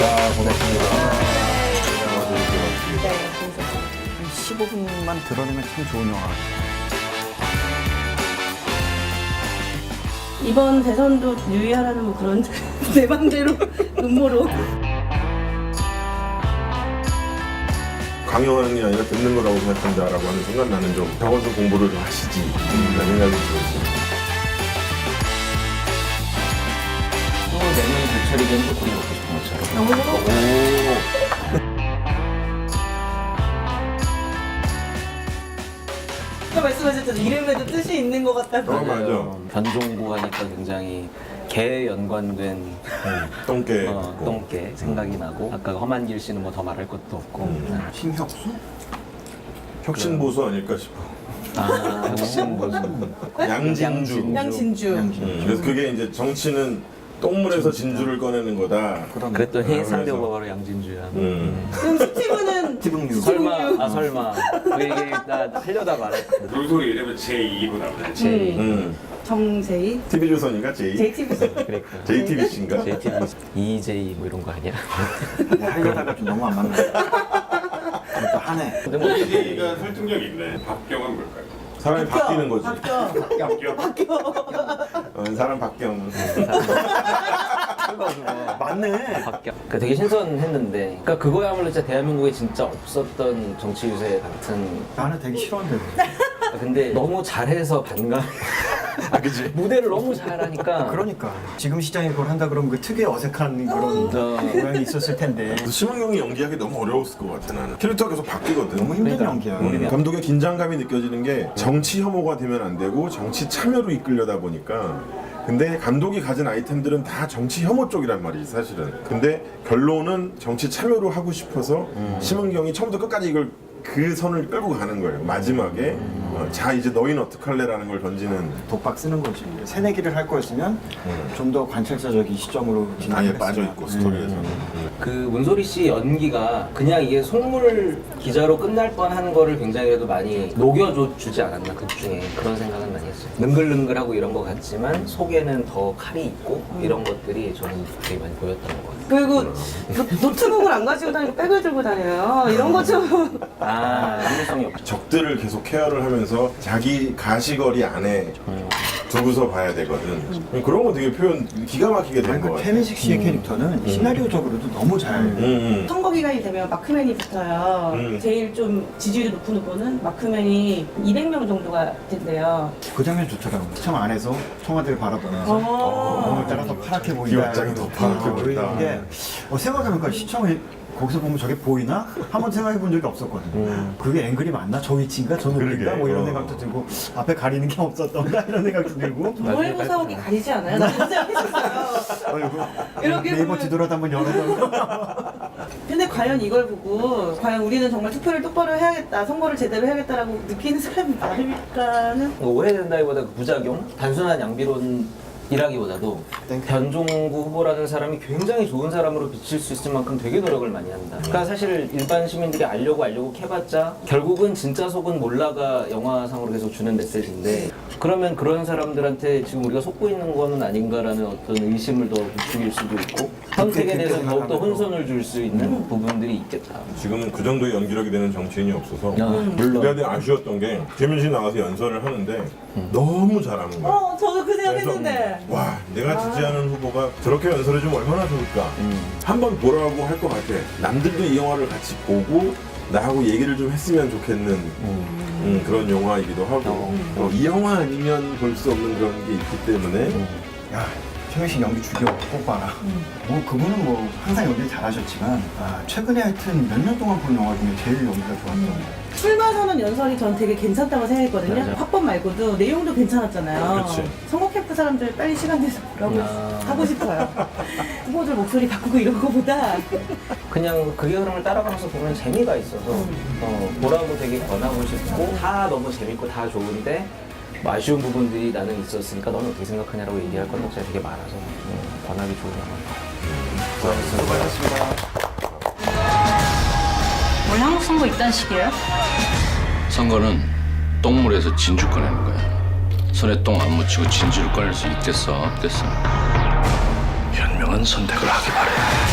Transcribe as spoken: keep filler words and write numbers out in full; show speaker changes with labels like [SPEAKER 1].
[SPEAKER 1] 자, 고맙습니다.
[SPEAKER 2] 네, 재밌었죠.
[SPEAKER 1] 한 십오 분만 드러내면 참 좋은 영화.
[SPEAKER 2] 이번 대선도 유의하라는 뭐 그런 내 맘대로 음모로.
[SPEAKER 3] 강요하는 게 아니라 듣는 거라고 생각한다라고 하는 순간 나는 좀 적어도 공부를 좀 하시지 라는 생각이 들었어요.
[SPEAKER 1] 또 내년 불철이 된 조금 먹고 싶은 것처럼.
[SPEAKER 2] 오. 아까 말씀하셨잖아요. 이름에도 뜻이 있는 것 같다고.
[SPEAKER 3] 어, 맞아.
[SPEAKER 1] 변종구 하니까 굉장히 개에 연관된
[SPEAKER 3] 똥개.
[SPEAKER 1] 어, 똥개 생각이 나고 아까 험한길 씨는 뭐 더 말할 것도 없고 네.
[SPEAKER 4] 심혁수?
[SPEAKER 3] 혁신보수 아닐까 싶어.
[SPEAKER 1] 아 혁신 보수
[SPEAKER 3] 양진주.
[SPEAKER 2] 양진주.
[SPEAKER 3] 음, 그래서 그게 이제 정치는 똥물에서 진주를 꺼내는 거다.
[SPEAKER 1] 그랬더니 상대가 바로 양진주야.
[SPEAKER 3] 음.
[SPEAKER 2] 그럼 스티브는
[SPEAKER 4] 스티븐 유.
[SPEAKER 1] 설마 아 설마 그 얘기 나 하려다 말았거든.
[SPEAKER 5] 물소리 이름은 제이로 나오네.
[SPEAKER 1] 제이
[SPEAKER 3] 음.
[SPEAKER 2] 정세희,
[SPEAKER 3] 티비조선인가 제이?
[SPEAKER 2] 제이티비.
[SPEAKER 1] 그랬구나.
[SPEAKER 3] 제이티비씨인가?
[SPEAKER 1] 제이티비 이제이 뭐 이런 거 아니야?
[SPEAKER 4] 네, 하려다가 좀 너무 안 맞는 거 또 하네.
[SPEAKER 1] 근데 뭐
[SPEAKER 5] 제이가 설득력 있네. 박경은 뭘까요?
[SPEAKER 3] 사람이 바뀌는 거지.
[SPEAKER 2] 바뀌어.
[SPEAKER 5] 박경.
[SPEAKER 2] 바뀌어.
[SPEAKER 3] 어, 사람 바뀌어.
[SPEAKER 4] 맞네.
[SPEAKER 1] 바뀌어. 그러니까 되게 신선했는데, 그러니까 그거야말로 진짜 대한민국에 진짜 없었던 정치 유세 같은.
[SPEAKER 4] 나는 되게 싫어한데.
[SPEAKER 1] 근데 너무 잘해서 반감.
[SPEAKER 3] 아, 그지?
[SPEAKER 1] 무대를 너무 잘하니까.
[SPEAKER 4] 그러니까 지금 시장에 그걸 한다 그러면 그 특유의 어색한 그런
[SPEAKER 1] 어.
[SPEAKER 4] 모양이 있었을 텐데
[SPEAKER 3] 심은경이 연기하기 너무 어려웠을 것 같아 나는. 캐릭터가 계속 바뀌거든.
[SPEAKER 4] 너무 힘든
[SPEAKER 1] 그러니까.
[SPEAKER 4] 연기야.
[SPEAKER 3] 음, 감독의 긴장감이 느껴지는 게 정치 혐오가 되면 안 되고 정치 참여로 이끌려다 보니까 근데 감독이 가진 아이템들은 다 정치 혐오 쪽이란 말이지 사실은. 근데 결론은 정치 참여로 하고 싶어서 심은경이 처음부터 끝까지 이걸 그 선을 끌고 가는 거예요. 마지막에 어, 자 이제 너희는 어떡할래라는 걸 던지는.
[SPEAKER 4] 독박 쓰는 거지. 새내기를 할 거였으면 좀 더 관찰사적인 시점으로 진행을
[SPEAKER 3] 아예
[SPEAKER 4] 했으면.
[SPEAKER 3] 빠져있고 스토리에서.
[SPEAKER 4] 음.
[SPEAKER 1] 그 문소리 씨 연기가 그냥 이게 속물 기자로 끝날 뻔한 거를 굉장히 그래도 많이 녹여주지 않았나 극 중에 그런 생각은 많이 했어요. 능글능글하고 이런 거 같지만 속에는 더 칼이 있고 이런 것들이 저는 되게 많이 보였던 것 같아요.
[SPEAKER 2] 그리고 노, 노트북을 안 가지고 다니고 백을 들고 다녀요. 이런 거 좀.
[SPEAKER 1] 아, 일관성이 없죠.
[SPEAKER 3] 적들을 계속 케어를 하면서 자기 가시거리 안에 두고서 봐야 되거든. 그런 거 되게 표현 기가 막히게 된
[SPEAKER 4] 아니,
[SPEAKER 3] 것
[SPEAKER 4] 그
[SPEAKER 3] 같아.
[SPEAKER 4] 최민식 씨의 캐릭터는 시나리오적으로도 너무 잘.
[SPEAKER 3] 음, 음.
[SPEAKER 2] 선거 기간이 되면 마크맨이 붙어요.
[SPEAKER 3] 음.
[SPEAKER 2] 제일 좀 지지율이 높은 후보는 마크맨이 이백 명 정도가 된대요.
[SPEAKER 4] 그 장면 좋더라고. 시청 안에서 청와대를 바라보면서
[SPEAKER 2] 어.
[SPEAKER 4] 오늘따라 더 파랗게 보인다.
[SPEAKER 3] 기업장이 더 파랗게
[SPEAKER 4] 어,
[SPEAKER 3] 보인다.
[SPEAKER 4] 이게 어, 생각해보니까 시청에 거기서 보면 저게 보이나? 한번 생각해 본 적이 없었거든.
[SPEAKER 1] 음.
[SPEAKER 4] 그게 앵글이 맞나? 저 위치인가? 저 높이인가?
[SPEAKER 3] 그러게.
[SPEAKER 4] 뭐 이런
[SPEAKER 3] 어.
[SPEAKER 4] 생각도 들고 앞에 가리는 게 없었던가? 이런 생각도 들고
[SPEAKER 2] 동아일보 사옥이 가리지 않아요? 나 진짜 생각했었어요.
[SPEAKER 4] 어이구,
[SPEAKER 2] 이렇게
[SPEAKER 4] 네이버
[SPEAKER 2] 보면-
[SPEAKER 4] 뒤돌아도 한번 열어서
[SPEAKER 2] 근데 과연 이걸 보고 과연 우리는 정말 투표를 똑바로 해야겠다, 선거를 제대로 해야겠다라고 느끼는 사람이 많을까는
[SPEAKER 1] 오해된다기보다 그 부작용? 단순한 양비론 이라기보다도
[SPEAKER 4] 땡큐.
[SPEAKER 1] 변종구 후보라는 사람이 굉장히 좋은 사람으로 비칠 수 있을 만큼 되게 노력을 많이 한다. 그러니까 사실 일반 시민들이 알려고 알려고 캐봤자 결국은 진짜 속은 몰라가 영화상으로 계속 주는 메시지인데 그러면 그런 사람들한테 지금 우리가 속고 있는 거는 아닌가라는 어떤 의심을 더 부추길 수도 있고 선택에 대해서 더욱더 혼선을 줄 수 있는 부분들이 있겠다.
[SPEAKER 3] 지금은 그 정도의 연기력이 되는 정치인이 없어서
[SPEAKER 1] 아, 물론.
[SPEAKER 3] 내가 되게 아쉬웠던 게 최민식 나가서 연설을 하는데 너무 잘하는 거야.
[SPEAKER 2] 어, 저도 그
[SPEAKER 3] 그래서
[SPEAKER 2] 생각했는데
[SPEAKER 3] 와 내가 지지하는 후보가 저렇게 연설해주면 얼마나 좋을까. 한번 보라고 할 것 같아. 남들도 이 영화를 같이 보고 나하고 얘기를 좀 했으면 좋겠는 음, 그런 영화이기도 하고 어, 이 영화 아니면 볼 수 없는 그런 게 있기 때문에
[SPEAKER 4] 야 최민식 연기 죽여 꼭 봐라. 뭐 그분은 뭐 항상 연기를 잘하셨지만 아, 최근에 하여튼 몇 년 동안 본 영화 중에 제일 연기가 좋았던 거.
[SPEAKER 2] 출마선언 연설이 전 되게 괜찮다고 생각했거든요.
[SPEAKER 1] 맞아.
[SPEAKER 2] 화법 말고도 내용도 괜찮았잖아요.
[SPEAKER 3] 그치.
[SPEAKER 2] 선거 캠프 사람들 빨리 시간 내서 보라고
[SPEAKER 1] 아.
[SPEAKER 2] 하고 싶어요. 후보들 목소리 바꾸고 이런 거보다
[SPEAKER 1] 그냥 그게 흐름을 따라가면서 보면 재미가 있어서 어, 보라고 되게 권하고 싶고 다 너무 재밌고 다 좋은데 뭐 아쉬운 부분들이 나는 있었으니까 너는 어떻게 생각하냐라고 얘기할 컨텐츠가 되게 많아서 음, 권하기 좋은 영화.
[SPEAKER 4] 수고하셨습니다.
[SPEAKER 6] 원래 한국 선거 이딴 식이에요?
[SPEAKER 7] 선거는 똥물에서 진주 꺼내는 거야. 손에 똥 안 묻히고 진주를 꺼낼 수 있겠어? 없겠어? 현명한 선택을 하기 바래.